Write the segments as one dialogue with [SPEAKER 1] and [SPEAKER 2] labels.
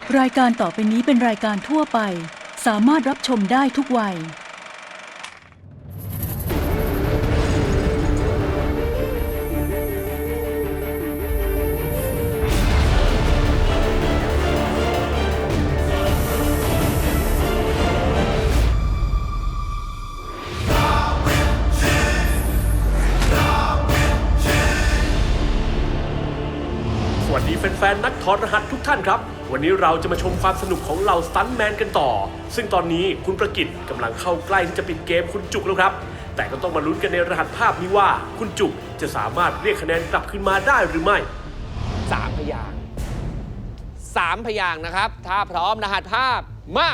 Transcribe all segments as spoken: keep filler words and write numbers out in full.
[SPEAKER 1] รายการต่อไปนี้เป็นรายการทั่วไปสามารถรับชมได้ทุกวัย
[SPEAKER 2] สวัสดีแฟนๆนักถอดรหัสทุกท่านครับวันนี้เราจะมาชมความสนุกของเหล่าสตันท์แมนกันต่อซึ่งตอนนี้คุณประกิตกำลังเข้าใกล้ที่จะปิดเกมคุณจุกแล้วครับแต่ก็ต้องมาลุ้นกันในรหัสภาพนี้ว่าคุณจุกจะสามารถเรียกคะแนนกลับคืนมาได้หรือไม่
[SPEAKER 3] สามพยางค์สามพยางค์นะครับถ้าพร้อมรหัสภาพมา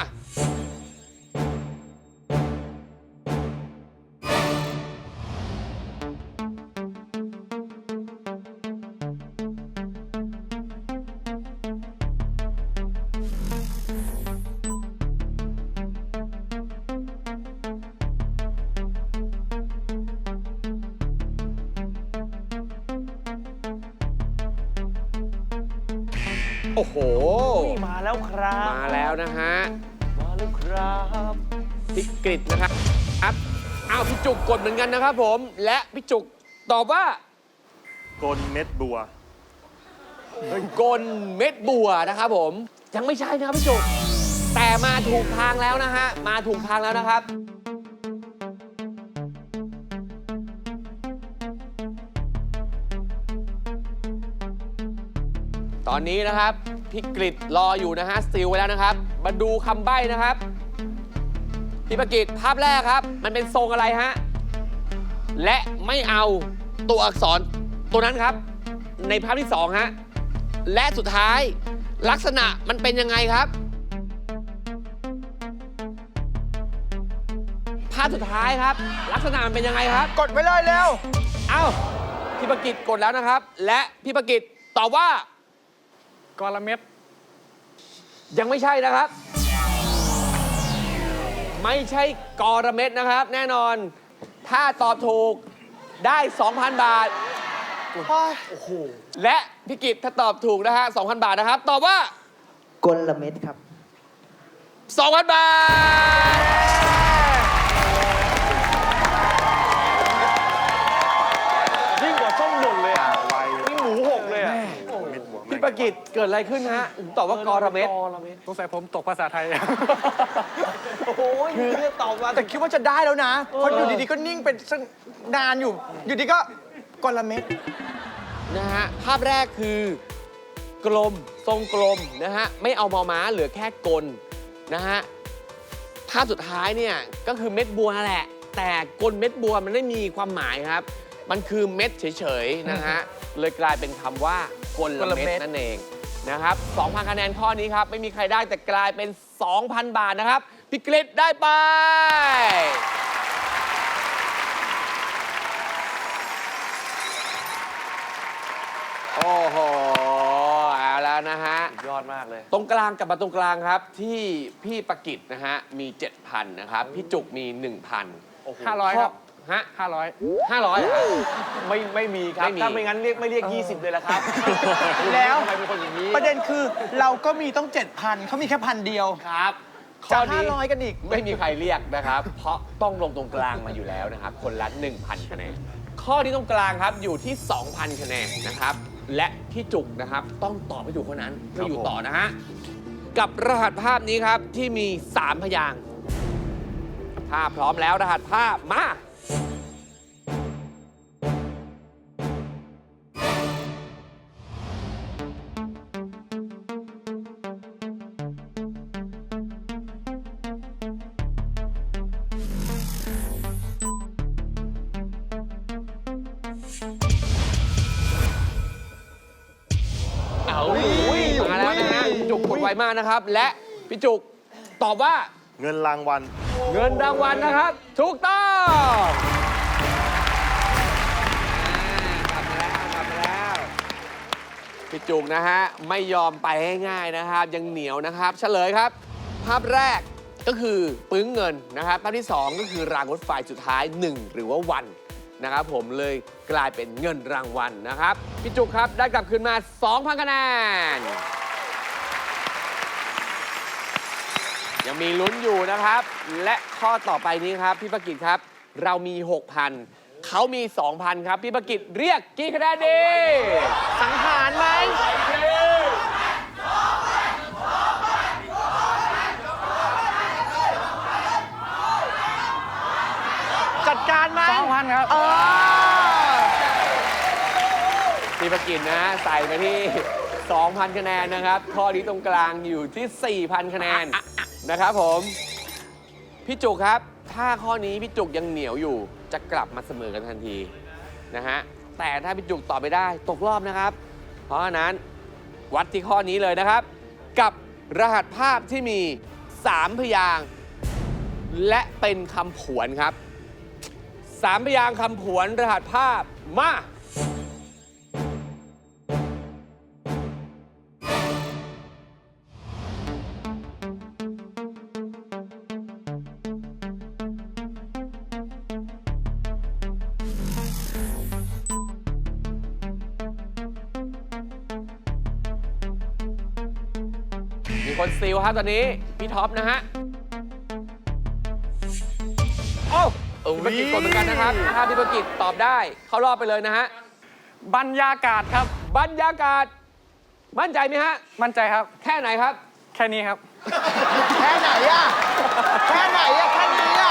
[SPEAKER 3] โอ้โห
[SPEAKER 4] มาแล้วครับ
[SPEAKER 3] มาแล้วนะฮะ
[SPEAKER 4] มาแล้วครับ
[SPEAKER 3] พี่กฤษนะครับครับอ้าวพี่จุกกดเหมือนกันนะครับผมและพี่จุกตอบว่าก
[SPEAKER 5] ลเม็ดบัว
[SPEAKER 3] กลเม็ดบัวนะครับผมยังไม่ใช่นะครับพี่จุกแต่มาถูกทางแล้วนะฮะมาถูกทางแล้วนะครับตอนนี้นะครับพี่กฤษรออยู่นะฮะสติลไว้แล้วนะครับมาดูคำใบ้นะครับพี่ประกิตภาพแรกครับมันเป็นทรงอะไรฮะและไม่เอาตัวอักษรตัวนั้นครับในภาพที่สองฮะและสุดท้ายลักษณะมันเป็นยังไงครับภาพสุดท้ายครับลักษณะมันเป็นยังไงครับ
[SPEAKER 4] กดไว้เลยเร็ว
[SPEAKER 3] เอ้าพี่ประกิตกดแล้วนะครับและพี่ประกิตตอบว่ากลเม็ดยังไม่ใช่นะครับ ไม่ใช่กรเม็ดนะครับแน่นอนถ้าตอบถูกได้ สองพัน บาทโอ้โหและพี่กิตถ้าตอบถูกนะฮะ สองพัน บาทนะครับตอบว่าก
[SPEAKER 6] ลเม็ดครับ
[SPEAKER 3] สองพัน บาท
[SPEAKER 4] ยิ่งกว่าส้มหล่นเลยอ่ะ
[SPEAKER 5] ไว
[SPEAKER 4] นี่หมูหกเลยอ่ะ
[SPEAKER 5] เม็ดบัว
[SPEAKER 3] พี่ประกิตเกิดอะไรขึ้นฮะถึงตอบว่ากรเม็ด
[SPEAKER 7] สงสัยผมตกภาษาไทย
[SPEAKER 4] โอ้โหคือเนี่ยตอบมา
[SPEAKER 8] แต่คิดว่าจะได้แล้วนะ เพราะอยู่ดีๆก็นิ่งเป็นสักนานอยู่ อยู่ดีก็กลเม็ด
[SPEAKER 3] นะฮะภาพแรกคือกลมทรงกลมนะฮะไม่เอามอม้าเหลือแค่กลนะฮะภาพสุดท้ายเนี่ยก็คือเม็ดบัวนั่นแหละแต่กลเม็ดบัวมันไม่มีความหมายครับมันคือเม็ดเฉยๆนะฮะเลยกลายเป็นคำว่ากลเม็ดนั่นเองนะครับ สองพัน คะแนนข้อนี้ครับไม่มีใครได้แต่กลายเป็น สองพัน บาทนะครับพี่กฤษได้ไปโอ้โหเอาแล้วนะฮะ
[SPEAKER 4] ยอดมากเลย
[SPEAKER 3] ตรงกลางกลับมาตรงกลางครับที่พี่ประกิตนะฮะมี เจ็ดพัน นะครับพี่จุกมี หนึ่งพัน
[SPEAKER 7] ห้าร้อยครับ
[SPEAKER 3] ฮะ
[SPEAKER 7] ห้าร้อย
[SPEAKER 3] ห้าร้อย
[SPEAKER 4] ไม่ไม่มีครับ
[SPEAKER 3] ไม่มี
[SPEAKER 4] ถ้าไม่งั้นเรียกไม่เรียก ยี่สิบ เลยละครับ
[SPEAKER 8] แล้ว
[SPEAKER 4] ทำไมเป็นคนอย่างนี้
[SPEAKER 8] ประเด็นคือเราก็มีต้อง เจ็ดพัน เขามีแค่พันเดียว
[SPEAKER 3] ครับ
[SPEAKER 8] จะ
[SPEAKER 3] ข้นี้
[SPEAKER 8] ห้าร้อยกันอีก
[SPEAKER 3] ไม่มีใครเรียกนะครับ เพราะต้องลงตรงกลางมาอยู่แล้วนะครับคนละ หนึ่งพัน คะแนนข้อที่ตรงกลางครับอยู่ที่ สองพัน คะแนนนะครับและพี่จุกนะครับต้องตอบให้ถูกเท่านั้นเพื่ออยู่ต่อนะฮะกับรหัสภาพนี้ครับที่มี สาม พยางค์ถ้าพร้อมแล้วรหัสภาพมาเอามาแล้วนะฮะพี่จุกกดไวมากนะครับและพี่จุกตอบว่า
[SPEAKER 5] เงินรางวัล
[SPEAKER 3] เงินรางวัลนะครับถูกต้องกลับมาแล้วกลับมาแล้วพี่จุกนะฮะไม่ยอมไปง่ายๆนะครับยังเหนียวนะครับเฉลยครับภาพแรกก็คือปึ้งเงินนะครับภาพที่สองก็คือรางรถไฟสุดท้ายหนึ่งหรือว่าวันนะครับผมเลยกลายเป็นเงินรางวัลนะครับพี่จุกครับได้กลับคืนมา สองพัน คะแนนยังมีลุ้นอยู่นะครับ และข้อต่อไปนี้ครับ พี่ประกิตครับ เรามี หกพัน เขามี สองพัน ครับ พี่ประกิตเรียกกี่คะแนนดี
[SPEAKER 8] สังหารไหมจัดการไหม
[SPEAKER 7] สองพันครับ
[SPEAKER 8] เออ
[SPEAKER 3] พี่ประกิตนะใส่ไปที่ สองพัน คะแนนนะครับ ข้อนี้ตรงกลางอยู่ที่ สี่พัน คะแนนนะครับผม พี่จุกครับ ถ้าข้อนี้พี่จุกยังเหนียวอยู่ จะกลับมาเสมอกันทันทีนะฮะ แต่ถ้าพี่จุกตอบไม่ได้ตกรอบนะครับ เพราะฉะนั้นวัดที่ข้อนี้เลยนะครับ กับรหัสภาพที่มี สาม พยางค์และเป็นคำผวนครับ สาม พยางค์คำผวนรหัสภาพมา มีคนซีลครับตอนนี้ พี่ท็อปนะฮะ โอ้พี่ประกิตกดเหมือนกันนะครับ ถ้าพี่ประกิตตอบได้ เข้ารอบไปเลยนะฮะ
[SPEAKER 7] บรรยากาศครับ
[SPEAKER 3] บรรยากาศ มั่นใจไหมฮะ
[SPEAKER 7] มั่นใจครับ
[SPEAKER 3] แค่ไหนครับ
[SPEAKER 7] แค่นี้ครับ
[SPEAKER 8] แค่ไหนอะแค่ไหนอะแค่นี้อะ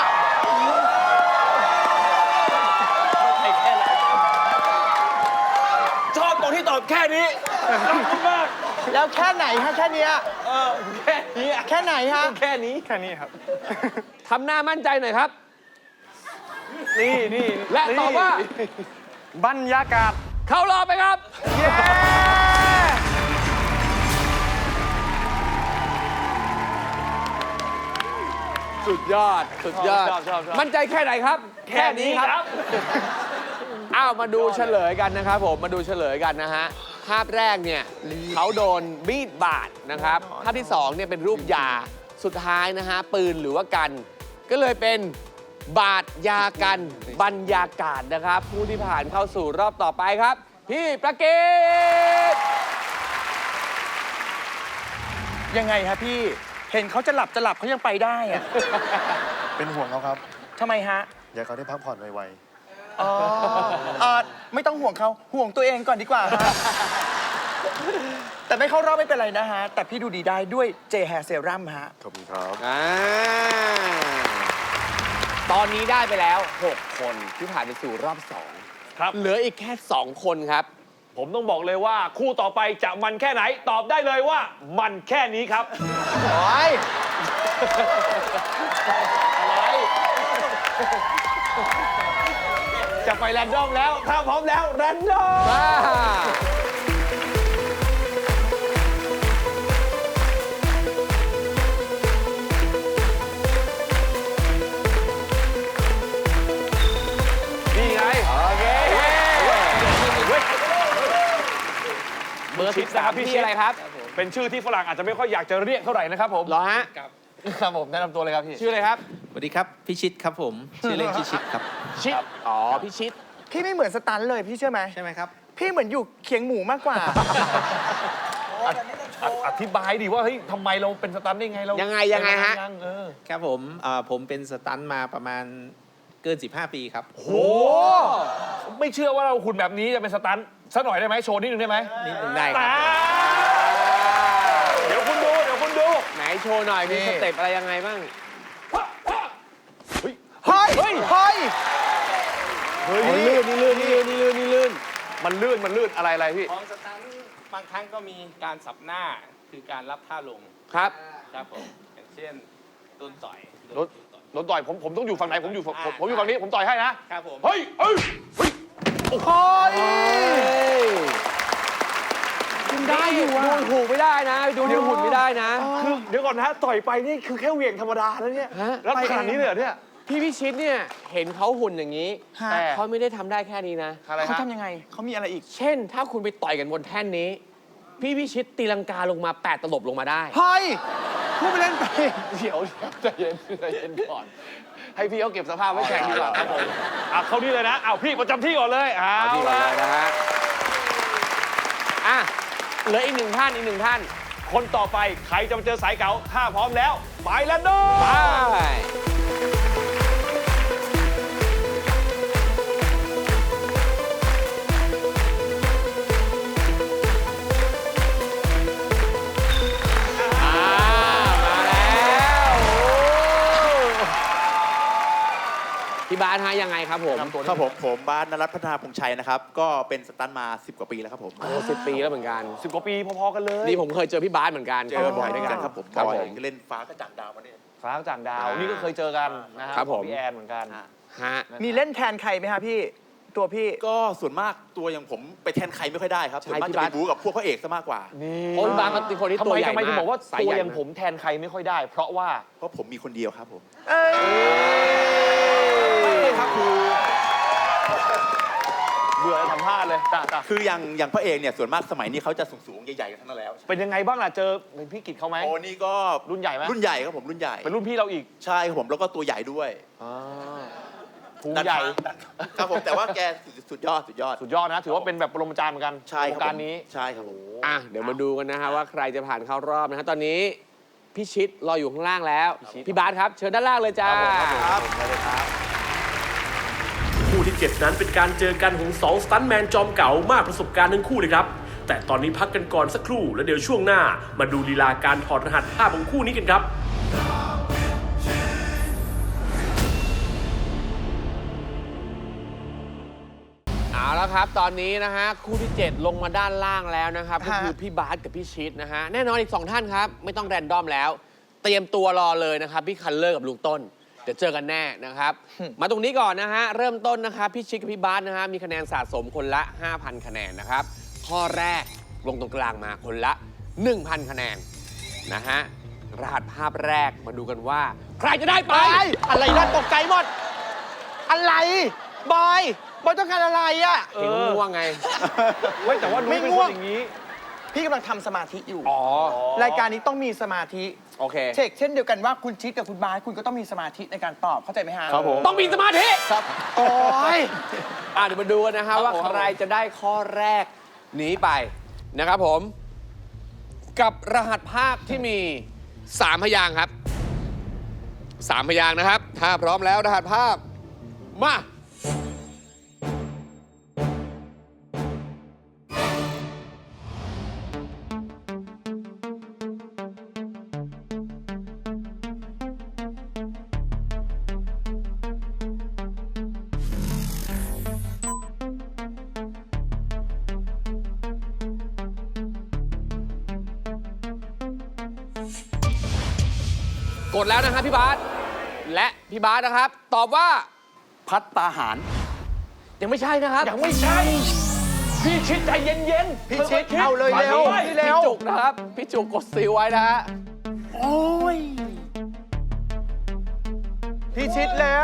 [SPEAKER 4] ชอบตรงที่ตอบแค่นี้ขอบคุณมาก
[SPEAKER 8] แล้วแค่ไหนฮะแค่เนี้ย
[SPEAKER 4] เออแค่นี้อะ
[SPEAKER 8] แค่ไหนฮะ
[SPEAKER 4] แค่นี้
[SPEAKER 7] แค่นี้ครับ
[SPEAKER 3] ทำหน้ามั่นใจหน่อยครับ
[SPEAKER 4] นี่นี่
[SPEAKER 3] และตอบว่า
[SPEAKER 7] บรรยากาศ
[SPEAKER 3] เข้ารอบไปครับ
[SPEAKER 8] เย้
[SPEAKER 3] สุดยอด สุดยอด
[SPEAKER 4] ชอบชอบชอบ
[SPEAKER 3] มั่นใจแค่ไหนครับ
[SPEAKER 4] แค่นี้ครับ
[SPEAKER 3] อ้าวมาดูเฉลยกันนะครับผม มาดูเฉลยกันนะฮะ ภาพแรกเนี่ยเขาโดนมีดบาดนะครับ ภาพที่สองเนี่ยเป็นรูปยา สุดท้ายนะฮะปืนหรือว่ากัน ก็เลยเป็นบาดยากันบรรยากาศนะครับ ผู้ที่ผ่านเข้าสู่รอบต่อไปครับ พี่ประกิต
[SPEAKER 8] ยังไงฮะพี่ เห็นเขาจะหลับจะหลับเขายังไปได้อะ
[SPEAKER 5] เป็นห่วงเขาครับ
[SPEAKER 8] ทำไมฮะ
[SPEAKER 5] อยากเขาได้พักผ่อนไว
[SPEAKER 8] อ๋อเอ่อไม่ต้องห่วงเขาห่วงตัวเองก่อนดีกว่าฮะ แต่ไม่เข้ารอบไม่เป็นไรนะฮะ แต่พี่ดูดีได้ด้วยเจแฮร์เซรั่มฮะ
[SPEAKER 5] ๆ ขอบคุณครับ
[SPEAKER 3] อ่าตอนนี้ได้ไปแล้ว หก คนที่ผ่านไปสู่รอบสอง
[SPEAKER 4] ครับ
[SPEAKER 3] เหลืออีกแค่ สอง คนครับ
[SPEAKER 4] ผมต้องบอกเลยว่า คู่ต่อไปจะมันแค่ไหน ตอบได้เลยว่า มันแค่นี้ครับ
[SPEAKER 8] โอ้ย
[SPEAKER 4] อะไร จะไปแรนดอมแล้ว ถ้าพร้อมแล้วแรนดอม
[SPEAKER 3] มานี่ไง โอเค เบอร์สิบสามพี่อะไรครับ
[SPEAKER 4] เป็นชื่อที่ฝรั่งอาจจะไม่ค่อยอยากจะเรียกเท่าไหร่นะครับผม
[SPEAKER 3] เหรอฮะ
[SPEAKER 4] ครับผมแนะนำตัวเลยครับพี่
[SPEAKER 3] ชื่ออะไรครับ
[SPEAKER 6] สวัสดีครับ พี่ชิดครับผม ชื่อเล่นชื่อชิดครับ
[SPEAKER 3] ชิด อ๋อ พี่ชิด
[SPEAKER 8] พี่ไม่เหมือนสตันเลยพี่เชื่อไหม
[SPEAKER 6] ใช่ไหมครับ
[SPEAKER 8] พี่เหมือนอยู่เคียงหมูมากกว่า
[SPEAKER 4] อธิบายดิว่าเฮ้ยทำไมเราเป็นสตันได้ไงเรา
[SPEAKER 3] ยังไงยังไงฮะ
[SPEAKER 4] เออ
[SPEAKER 6] ครับผมเอ่อผมเป็นสตันท์มาประมาณเกิน สิบห้า ปีครับ
[SPEAKER 4] โห ไม่เชื่อว่าเราหุ่นแบบนี้จะเป็นสตันสักหน่อยได้ไหมโชว์นิดนึงได้ไหม
[SPEAKER 6] นิดหนึ่งได้ครับ
[SPEAKER 4] อ่าเดี๋ยวคุณดู เดี๋ยวคุณดู
[SPEAKER 3] ไหนโชว์หน่อย มี
[SPEAKER 8] นี่
[SPEAKER 3] สเต็ปอะไรยังไงบ้าง
[SPEAKER 8] เฮ้ย เฮ้ย เฮ้ย
[SPEAKER 4] เฮ้ยนี่ลื่นนี่ลื่นนี่ลื่นนี่ลื่นนี่ลื่น มันลื่น มันลื่น อะไรอะไรพี่
[SPEAKER 6] ของสตันท์บางครั้งก็มีการสับหน้าคือการรับท่าลง
[SPEAKER 3] ครับ
[SPEAKER 6] ครับผม อย่างเช่นโดนต่อย
[SPEAKER 4] รถ โดนต่อยผมผมต้องอยู่ฝั่งไหนผมอยู่ฝั่งผมผมอยู่ฝั่งนี้ผมต่อยให้นะ
[SPEAKER 6] ครับผม
[SPEAKER 4] เฮ้ยเอ้ยเฮ้ย
[SPEAKER 8] โอ้ย
[SPEAKER 3] คุณได้อยู่ดูถูกไม่ได้นะ ดูนิ้วหุ่นไม่ได้นะ
[SPEAKER 4] คือเดี๋ยวก่อนนะต่อยไปนี่คือแค่เหวี่ยงธรรมดาแล้วเนี่ย
[SPEAKER 3] ฮะ
[SPEAKER 4] แล้วขนาดนี้เลยเหรอเนี่ย
[SPEAKER 3] พี่พิชิตเนี่ย เห็นเขาหุ่นอย่างนี้
[SPEAKER 8] ฮะ
[SPEAKER 3] แต่เขาไม่ได้ทำได้แค่นี้นะ
[SPEAKER 4] อะไร
[SPEAKER 8] เขา
[SPEAKER 4] ฮะ
[SPEAKER 8] ทำยังไง เขามีอะไรอีก
[SPEAKER 3] เช่น ถ้าคุณไปต่อยกันบนแท่นนี้ พี่พิชิตตีลังกาลงมาแปดตลบลงมาได้
[SPEAKER 8] เฮ้ย พูดไปเล่นไป
[SPEAKER 4] เดี๋ยวเดี๋ยวใจเย็นใจเย็นก่อน ให้พี่เขาเก็บสภาพไว้แข่งดีกว่าครับผมอ่ะเข้านี่เลยนะเอาพี่ประจำที่ก่อนเลยเอา
[SPEAKER 3] เอาที่ก่อน
[SPEAKER 4] ละ
[SPEAKER 3] เลยนะฮะ อ่ะ เหลืออีกหนึ่งท่านอีกหนึ่งท่าน
[SPEAKER 4] คนต่อไปใครจะมาเจอสายเก๋าถ้าพร้อมแล้ว ไปแล้วโด
[SPEAKER 3] ไป อ่า มาแล้วโอ้พี่บาสฮะยังไงครับผม
[SPEAKER 9] ครับผมผมบาสนรัตน์พัฒนาพงษ์ชัยนะครับ ก็เป็นสตันท์มา สิบ กว่าปีแล้วครับผม
[SPEAKER 3] โอ้สิบปีแล้วเหมือนกัน
[SPEAKER 4] สิบกว่าปีพอๆกันเลย
[SPEAKER 3] นี่ผมเคยเจอพี่บาสเหมือนกัน
[SPEAKER 9] เจอบ่อยด้วยกันครับผม
[SPEAKER 3] ครับ
[SPEAKER 9] บ่อย
[SPEAKER 3] ผม
[SPEAKER 9] ก็เล่นฟ้ากระจ่างดาวมาเนี่ย
[SPEAKER 4] ฟ้าจ่างดาว นี่ก็เคยเจอกันนะฮะ
[SPEAKER 3] ครับผม
[SPEAKER 4] ของพี่แอนเหมือนกัน
[SPEAKER 3] ฮะ
[SPEAKER 8] มีเล่นแทนใครไหมฮะพี่ ตัวพี่
[SPEAKER 9] ก็ส่วนมากตัวอย่างผมไปแทนใครไม่ค่อยได้ครับ
[SPEAKER 3] ใช่
[SPEAKER 9] ส่วนมาก
[SPEAKER 3] พี่
[SPEAKER 9] จะ
[SPEAKER 3] บา
[SPEAKER 9] ไป
[SPEAKER 3] ส
[SPEAKER 9] บู๊กับพวกพระเอกซะมากกว่า
[SPEAKER 4] นี่
[SPEAKER 3] โอ้พี่บาสเขาเป็นคนที่
[SPEAKER 4] ทำ
[SPEAKER 3] ตัว
[SPEAKER 4] ไม
[SPEAKER 3] ใหญ่
[SPEAKER 4] ทำไมถึง
[SPEAKER 3] มาก
[SPEAKER 4] บอกว่า
[SPEAKER 3] สาย
[SPEAKER 4] ตัว
[SPEAKER 3] ใหญ่
[SPEAKER 4] อย่างผมแทนใครไม่ค่อยได้ เพราะว่า
[SPEAKER 9] เพราะผมมีคนเดียวครับผม
[SPEAKER 8] เอ้ย
[SPEAKER 9] ไม่ครับคือ
[SPEAKER 4] เบื่อทำพลาดเลยจ้ะจ้ะ
[SPEAKER 9] คืออย่างอย่างพระเอกเนี่ยส่วนมากสมัยนี้เขาจะสูงๆใหญ่ๆกันทั้งนั้นแล้ว
[SPEAKER 4] เป็นยังไงบ้างล่ะ เจอเป็นพี่กิตเขาไหม
[SPEAKER 9] โอ้นี่ก็
[SPEAKER 4] รุ่นใหญ่ไหม
[SPEAKER 9] รุ่นใหญ่ครับผมรุ่นใหญ่
[SPEAKER 4] เป็นรุ่นพี่เราอีก
[SPEAKER 9] ใช่ครับผมแล้วก็ตัวใหญ่ด้วย
[SPEAKER 4] อ่าภูมิใหญ่
[SPEAKER 9] ครับผมแต่ว่าแกสุดสุดยอดสุดยอด
[SPEAKER 4] สุดยอดนะ ถือว่าเป็นแบบปรมาจารย์เหมือนกัน
[SPEAKER 9] ใช่คว รับ
[SPEAKER 4] งการ
[SPEAKER 9] ผม
[SPEAKER 4] นี้
[SPEAKER 9] ใช่ครับผม
[SPEAKER 3] อ่ะเดี๋ยวมาดูกันนะฮะว่าใครจะผ่านเข้ารอบนะฮะตอนนี้พี่ชิดรออยู่ข้างล่างแล้ว พี่บาสครับ เชิญด้านล่างเลยจ้า
[SPEAKER 9] ครับ
[SPEAKER 2] คู่ที่เจ็ดนั้นเป็นการเจอกันของสองสตันท์แมนจอมเก่ามากประสบการณ์ทั้งคู่เลยครับ แต่ตอนนี้พักกันก่อนสักครู่แล้วเดี๋ยวช่วงหน้ามาดูลีลาการถอดรหัสภาพของคู่นี้กันครับ
[SPEAKER 3] เอาละครับ ตอนนี้นะฮะคู่ที่ เจ็ด ลงมาด้านล่างแล้วนะครับก็
[SPEAKER 8] ฮะ
[SPEAKER 3] คือพี่บาสกับพี่ชิดนะฮะแน่นอนอีกสองท่านครับ ไม่ต้องแรนดอมแล้ว เตรียมตัวรอเลยนะครับ พี่คันเลอร์กับลุงต้น เดี๋ยวเจอกันแน่นะครับ มาตรงนี้ก่อนนะฮะ เริ่มต้นนะครับพี่ชิดกับพี่บาสนะฮะมีคะแนนสะสมคนละ ห้าพัน คะแนนนะครับ ข้อแรกลงตรงกลางมาคนละ หนึ่งพัน คะแนนนะฮะรหัสภาพแรกมาดูกันว่า ใครจะได้ไป
[SPEAKER 8] ไปอะไรนั่นตกใจหมด อะไร บอย บอยต้องการอะไรอ่ะ
[SPEAKER 3] เห็นว่าง่วงไง
[SPEAKER 4] เว้ยแต่ว่านุ้ยเป็น
[SPEAKER 8] ไม่
[SPEAKER 4] ค
[SPEAKER 8] ง่วง
[SPEAKER 4] นอย่างนี้
[SPEAKER 8] พี่กำลังทำสมาธิอยู่
[SPEAKER 3] อ๋อ
[SPEAKER 8] รายการนี้ต้องมีสมาธิ
[SPEAKER 3] โอเค
[SPEAKER 8] เช็คเช่นเดียวกันว่าคุณชิดกับคุณบายคุณก็ต้องมีสมาธิในการตอบเข้าใจไหมฮะ
[SPEAKER 4] ครับผม
[SPEAKER 3] ต้องมีสมาธิ
[SPEAKER 8] ครับ โอ้ย
[SPEAKER 3] อ่ะเดี๋ยวมาดูกันนะฮะว่าใครจะได้ข้อแรกหนีไปนะครับผม กับรหัสภาพที่มี สาม พยางค์ครับ สาม พยางค์นะครับ ถ้าพร้อมแล้วรหัสภาพ มา กดแล้วนะครับพี่บาสและพี่บาสนะครับ ตอบว่า
[SPEAKER 9] พัตตาหาร
[SPEAKER 3] ยังไม่ใช่นะครับ
[SPEAKER 4] ยังไม่ใช่ พี่ชิดใจเย็นๆ
[SPEAKER 8] พี่ชิด
[SPEAKER 4] ค่ยๆ
[SPEAKER 8] เอาเลยเร็ว
[SPEAKER 4] มา
[SPEAKER 8] พี่
[SPEAKER 4] ด้
[SPEAKER 8] เร็ว
[SPEAKER 3] พี่จุกนะครับ พี่จุกกดซีลไว้นะฮะ
[SPEAKER 8] โอ้ย พี่ชิดแล้ว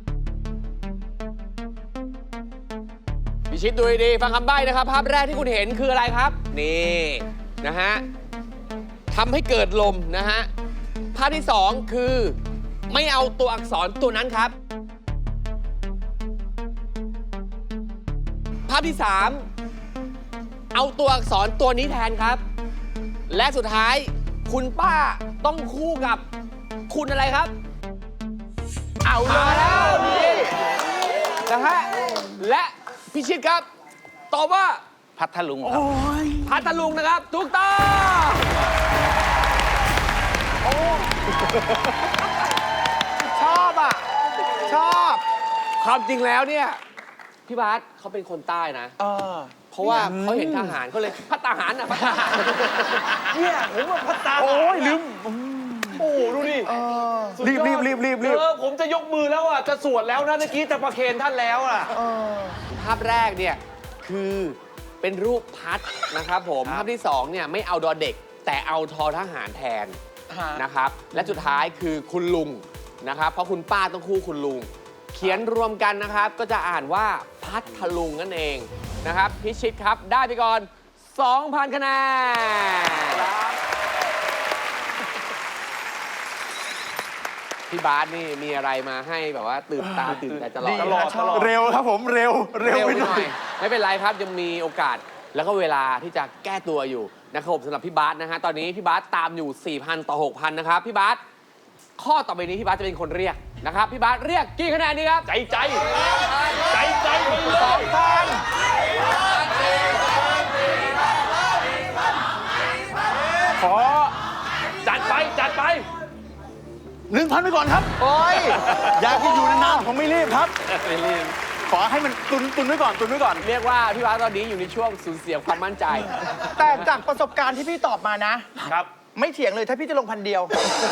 [SPEAKER 3] พี่ชิดดูดีๆฟังคำใบ้นะครับ ภาพแรกที่คุณเห็นคืออะไรครับ นี่นะฮะทำให้เกิดลมนะฮะภาพที่สองคือไม่เอาตัวอักษรตัวนั้นครับ ภาพที่สามเอาตัวอักษรตัวนี้แทนครับ และสุดท้ายคุณป้าต้องคู่กับคุณอะไรครับ เอาแล้วนี่นะฮะและพี่ชิดครับ ตอบว่า
[SPEAKER 4] พัทลุงครับ
[SPEAKER 3] พัทลุงนะครับถูกต้อง
[SPEAKER 8] ชอบอ่ะ ชอบ
[SPEAKER 3] ความจริงแล้วเนี่ย พี่บาสเขาเป็นคนใต้นะ
[SPEAKER 8] เออ
[SPEAKER 3] เพราะว่าเขาเห็นทหารเขาเลยพัทหารอ่ะพัทหาร
[SPEAKER 4] เนี่ยผมว่าพัตตา
[SPEAKER 8] โอ้ยลืม
[SPEAKER 4] โอ้โหดูดิ
[SPEAKER 8] เออ
[SPEAKER 4] สุดยอด
[SPEAKER 8] รีบรีบรีบรีบ
[SPEAKER 4] เออผมจะยกมือแล้วอ่ะ จะสวดแล้วนะเมื่อกี้แต่ประเคนท่านแล้วอ่ะ
[SPEAKER 8] เออ
[SPEAKER 3] ภาพแรกเนี่ยคือเป็นรูปพัดนะครับผม
[SPEAKER 4] ครับ
[SPEAKER 3] ภาพที่สองเนี่ยไม่เอาดอเด็ก แต่เอาทอทหารแทน
[SPEAKER 8] ฮะ
[SPEAKER 3] นะครับ และสุดท้ายคือคุณลุงนะครับ เพราะคุณป้าต้องคู่คุณลุง เขียนรวมกันนะครับ ก็จะอ่านว่าพัทลุงนั่นเองนะครับพิชิตครับได้ไปก่อน สองพัน คะแนนพี่บาสนี่มีอะไรมาให้แบบว่าตื่นตาตื่นใจตลอด
[SPEAKER 8] ดี
[SPEAKER 4] ตลอดตลอด
[SPEAKER 9] เร็วครับผมเร็วเร็ว
[SPEAKER 3] เร็ว
[SPEAKER 9] ไป
[SPEAKER 3] ไป
[SPEAKER 9] ห
[SPEAKER 3] ห
[SPEAKER 9] น่
[SPEAKER 3] น่
[SPEAKER 9] อ
[SPEAKER 3] อย ย ไม่เป็นไรครับ ยังมีโอกาสแล้วก็เวลาที่จะแก้ตัวอยู่นะครับผมสำหรับพี่บาสนะฮะตอนนี้พี่บาสตามอยู่ สี่พัน ต่อ หกพัน นะครับพี่บาสข้อต่อไปนี้พี่บาสจะเป็นคนเรียกนะครับพี่บาสเรียกกี่คะแนนดีครับ
[SPEAKER 4] ใจใจใจใจไปเลย
[SPEAKER 3] สองพัน
[SPEAKER 4] ขอจัดไปจัดไป
[SPEAKER 9] หนึ่งพันไปก่อนครับ
[SPEAKER 8] โอ้ย
[SPEAKER 9] อยากที่อยู่นานๆผมไม่รีบครับ
[SPEAKER 3] ไม่รีบ
[SPEAKER 9] ขอให้มันตุนตุนไว้ก่อนตุนไว้ก่อน
[SPEAKER 3] เรียกว่าพี่บาสตอนนี้อยู่ในช่วงสูญเสียความมั่นใจ
[SPEAKER 8] แต่จากประสบการณ์ที่พี่ตอบมานะ
[SPEAKER 4] ครับ
[SPEAKER 8] ไม่เถียงเลยถ้าพี่จะลงพันเดียว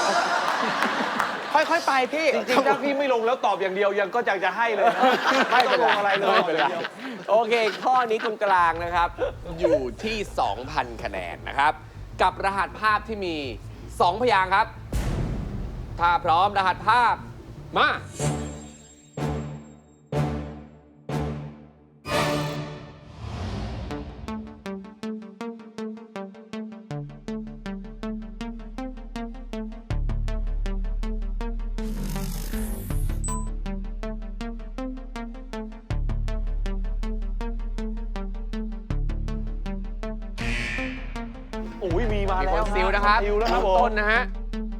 [SPEAKER 8] ค่อยๆไปพี่
[SPEAKER 4] จริงๆถ้าพี่ไม่ลงแล้วตอบอย่างเดียวยังก็อยากจะให้เลยนะไม่ต้องลงอะไรเลย
[SPEAKER 3] ไม่เป็นไรโอเค ข้อนี้ตรงกลางนะครับ อยู่ที่ สองพัน คะแนนนะครับ กับรหัสภาพที่มี สอง พยางค์ครับ ถ้าพร้อมรหัสภาพมา
[SPEAKER 4] โอ้ยมีมา
[SPEAKER 3] มี
[SPEAKER 4] แล้
[SPEAKER 3] คว นซิลนะครับ
[SPEAKER 4] ซิลแล้วครับ
[SPEAKER 3] เริ่
[SPEAKER 4] ผม ม
[SPEAKER 3] ต้นนะฮะ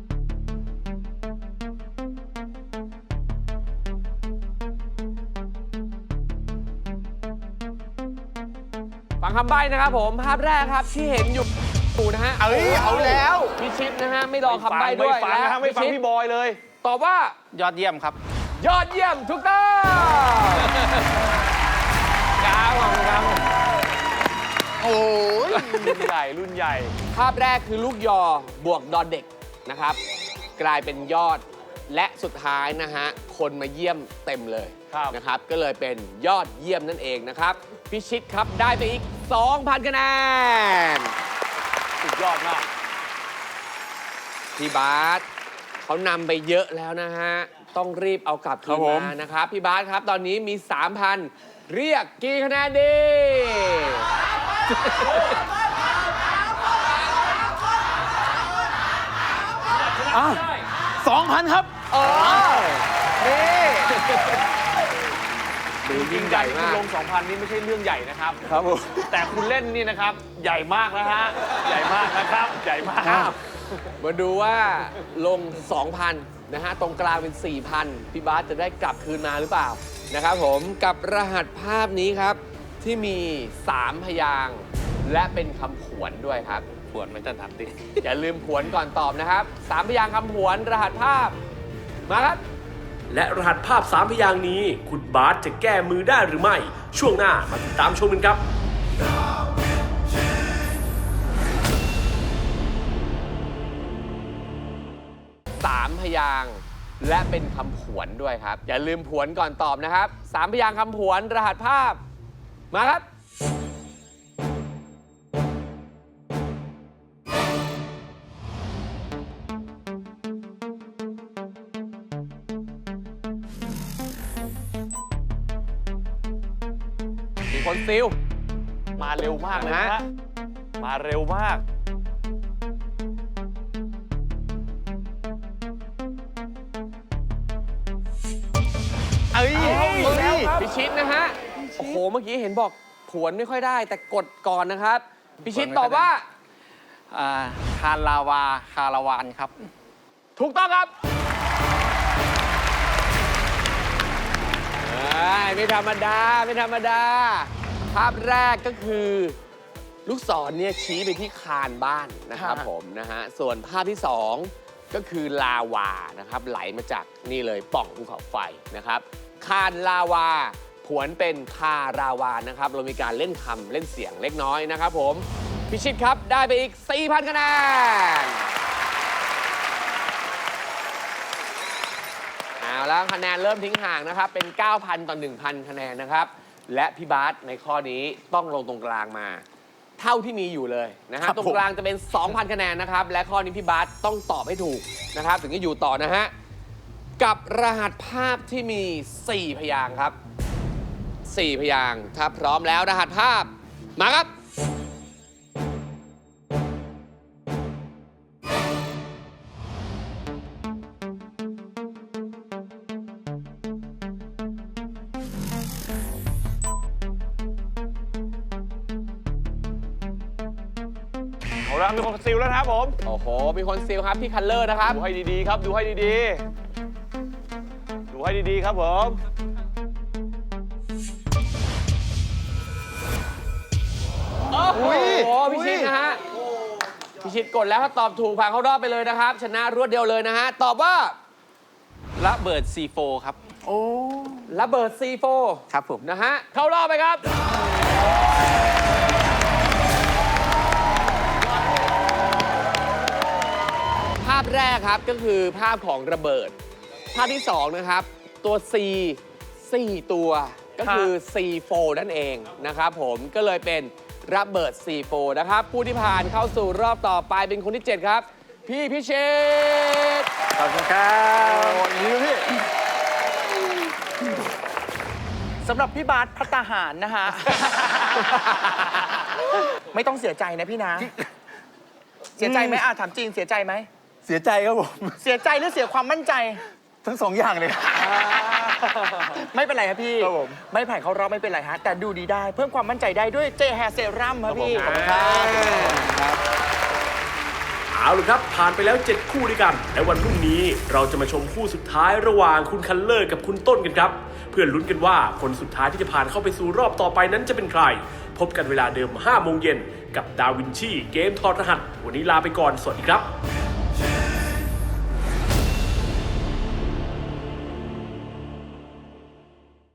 [SPEAKER 3] ฟังคำใบ้นะครับผม ภาพแรกครับที่เห็นอยู่อยู่นะฮะ
[SPEAKER 8] เอ้ยเอาแล้ว
[SPEAKER 3] พิชิตนะฮะ ไม่รอคำใบ้
[SPEAKER 4] ไม่
[SPEAKER 3] ด้วย
[SPEAKER 4] ฟังนะฮะไม่ฟัง
[SPEAKER 3] พิชิต
[SPEAKER 4] พี่บอยเลย
[SPEAKER 3] ตอบว่า
[SPEAKER 7] ยอดเยี่ยมครับ
[SPEAKER 3] ยอดเยี่ยมถูกต้องกาวของกาว
[SPEAKER 8] โอ้ย
[SPEAKER 4] รุ่นใหญ่รุ่นใหญ่
[SPEAKER 3] ภาพแรกคือลูกยอบวกดอเด็กนะครับ กลายเป็นยอดและสุดท้ายนะฮะ คนมาเยี่ยมเต็มเลย
[SPEAKER 4] ครับ
[SPEAKER 3] นะครับ ก็เลยเป็นยอดเยี่ยมนั่นเองนะครับ พิชิตครับได้ไปอีก สองพัน คะแนน
[SPEAKER 4] สุดยอดมาก
[SPEAKER 3] พี่บาสเขานำไปเยอะแล้วนะฮะ ต้องรีบเอากลับคื
[SPEAKER 4] ครั
[SPEAKER 3] น
[SPEAKER 4] บผม
[SPEAKER 3] มานะครับ พี่บาสครับตอนนี้มี สามพัน เรียกกี่คะแนนดี
[SPEAKER 9] สองพันครับ
[SPEAKER 3] เออ
[SPEAKER 8] นี่
[SPEAKER 3] ดู
[SPEAKER 4] จริ
[SPEAKER 3] ยิ่
[SPEAKER 4] ง
[SPEAKER 3] ง
[SPEAKER 4] ๆ
[SPEAKER 3] ใหญ่
[SPEAKER 4] ที่
[SPEAKER 3] มาก
[SPEAKER 4] ลง สองพัน นี่ไม่ใช่เรื่องใหญ่นะครับ
[SPEAKER 9] ครับผม
[SPEAKER 4] แต่คุณเล่นนี่นะครับ ใหญ่มากนะฮะ ใหญ่มากนะครับ ใหญ่มาก
[SPEAKER 3] มาดูว่าลง สองพัน นะฮะ ตรงกลางเป็น สี่พัน พี่บาสจะได้กลับคืนมาหรือเปล่า นะครับผมกับรหัสภาพนี้ครับ ที่มี สาม พยางค์และเป็นคำผวนด้วยครับ
[SPEAKER 4] ปวดไม่ถนัดดิ
[SPEAKER 3] อย่าลืมผวนก่อนตอบนะครับ สาม พยางค์คำผวน รหัสภาพ มาครับ
[SPEAKER 2] และรหัสภาพสามพยางค์นี้ คุณบาสจะแก้มือได้หรือไม่ ช่วงหน้ามาติดตามชมกันครับ
[SPEAKER 3] สาม พยางค์และเป็นคำผวนด้วยครับ อย่าลืมผวนก่อนตอบนะครับ สาม พยางค์คำผวน รหัสภาพ มาครับ มีคนซิล
[SPEAKER 4] มาเร็วมากเลยนะ
[SPEAKER 3] นะ
[SPEAKER 4] ฮะ มาเร็วมาก
[SPEAKER 8] เอ้ย
[SPEAKER 3] พิชิตนะฮะ โอ้โห เมื่อกี้เห็นบอกผวนไม่ค่อยได้ แต่กดก่อนนะครับ พิชิตตอบว่า
[SPEAKER 7] อ่า คารลาวา คาราวานครับ
[SPEAKER 3] ถูกต้องครับเอ้ยไม่ธรรมดา ไม่ธรรมดา ภาพแรกก็คือ ลูกศรเนี่ยชี้ไปที่คานบ้านนะครับ
[SPEAKER 8] ค่ะ
[SPEAKER 3] ผมนะฮะ ส่วนภาพที่สองก็คือลาวานะครับ ไหลมาจากนี่เลยปล่องภูเขาไฟนะครับ คานลาวา ผวนเป็นคาราวานะครับ เรามีการเล่นคำเล่นเสียงเล็กน้อยนะครับผม พิชิตครับได้ไปอีก สี่พัน คะแนน เอาแล้วคะแนนเริ่มทิ้งห่างนะครับ เป็น เก้าพัน ต่อ หนึ่งพัน คะแนนนะครับ และพี่บาสในข้อนี้ต้องลงตรงกลางมา เท่าที่มีอยู่เลยนะฮะ
[SPEAKER 9] ครับ
[SPEAKER 3] ตรงกลางจะเป็น สองพัน คะแนนนะครับ และข้อนี้พี่บาสต้องตอบให้ถูกนะครับ ถึงจะอยู่ต่อนะฮะ กับรหัสภาพที่มี สี่ พยางค์ครับ สี่ พยางค์ถ้าพร้อมแล้วรหัสภาพมาครับ
[SPEAKER 4] มแล้วมีคนซิลแล้วนะครับผม
[SPEAKER 3] โอ้โห มีคนซิลครับพี่คัลเลอร์นะครับ
[SPEAKER 4] ดูให้ดีๆครับ ดูให้ดีๆ ดูให้ดีๆครับผม
[SPEAKER 3] โอ้โหพี่ชิดนะฮะพี่ชิดกดแล้วถ้าตอบถูกผ่านเข้ารอบไปเลยนะครับ ชนะรวดเดียวเลยนะฮะ ตอบว่า
[SPEAKER 7] ระเบิด ซี โฟร์ ครับ
[SPEAKER 3] ระเบิด ซี โฟร์
[SPEAKER 7] ครับผม
[SPEAKER 3] นะฮะ เข้ารอบไปครับ ภาพแรกครับก็คือภาพของระเบิด ภาพที่สองนะครับ ตัว C สี่ ตัวก็คือ ซี โฟร์ นั่นเองนะครับผมก็เลยเป็นระเบิด ซี โฟร์ นะครับ ผู้ที่ผ่านเข้าสู่รอบต่อไปเป็นคนที่ เจ็ด ครับ พี่พิเชษฐ์
[SPEAKER 7] ขอบคุณครับ
[SPEAKER 8] สำหรับพี่บาสพัตตาหารนะฮะ ไม่ต้องเสียใจนะพี่นะ เสียใจไหมอาถามจริงเสียใจไหม
[SPEAKER 5] เสียใจครับผม
[SPEAKER 8] เสียใจหรือเสียความมั่นใจ
[SPEAKER 5] ทั้งสองอย่างเลย
[SPEAKER 8] ไม่เป็นไรครับพี่
[SPEAKER 5] ครับผม
[SPEAKER 8] ไม่ผ่านเข้ารอบไม่เป็นไรฮะ แต่ดูดีได้ เพิ่มความมั่นใจได้ด้วยเจแฮเซรั่มครับพี่
[SPEAKER 2] ขอบคุณครับ เอาละครับผ่านไปแล้ว เจ็ด คู่ด้วยกัน และวันพรุ่งนี้เราจะมาชมคู่สุดท้ายระหว่างคุณคัลเลอร์กับคุณต้นกันครับ เพื่อลุ้นกันว่าคนสุดท้ายที่จะผ่านเข้าไปสู่รอบต่อไปนั้นจะเป็นใคร พบกันเวลาเดิม ห้า โมงเย็นกับดาวินชีเกมถอดรหัส วันนี้ลาไปก่อน สวัสดีครับ